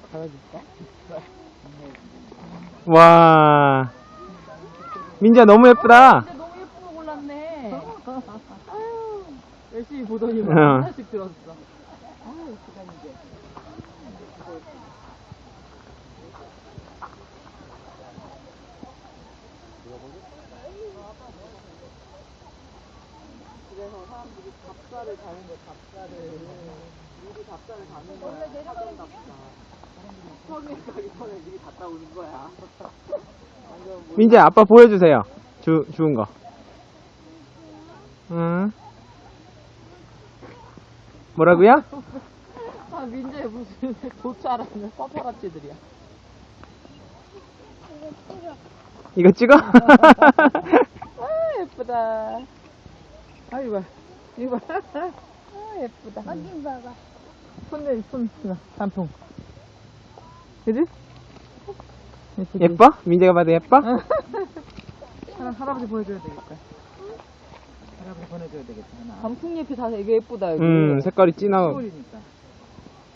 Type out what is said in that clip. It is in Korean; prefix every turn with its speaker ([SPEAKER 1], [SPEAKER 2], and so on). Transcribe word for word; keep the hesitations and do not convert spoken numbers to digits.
[SPEAKER 1] 잡아줄까?
[SPEAKER 2] 와. 민지야, 너무 예쁘다.
[SPEAKER 1] 근데 너무 예쁜 거 골랐네. 아유, 열심히 보더니 막
[SPEAKER 2] 어.
[SPEAKER 1] 하나씩 들었어. 아유, 예쁘다, 이제. 그래서 사람들이 답사를 가는 거야, 답사를. 미리 답사를 가는 거야. 사전 답사. 처음에 가기 전에 미리 갔다 오는 거야. 완전 뭐
[SPEAKER 2] 민지야, 아빠 보여주세요. 주, 주운 거. 응. 뭐라고요?
[SPEAKER 1] 아, 민재 무슨 도차라는 파파라치들이야.
[SPEAKER 2] 이거 찍어?
[SPEAKER 1] 아, 예쁘다. 아, 이거 봐. 이거 봐. 아, 예쁘다.
[SPEAKER 3] 어디 봐봐.
[SPEAKER 1] 손, 손, 손, 단풍. 그지? 예쁘지?
[SPEAKER 2] 예뻐? 민지가 봐도 예뻐?
[SPEAKER 1] 하나, 할아버지 보여줘야 되겠다. 할아버지 보내줘야 되겠다, 하나. 단풍잎이 다 되게 예쁘다, 여기.
[SPEAKER 2] 음, 색깔이 진하고.
[SPEAKER 1] 시골이니까.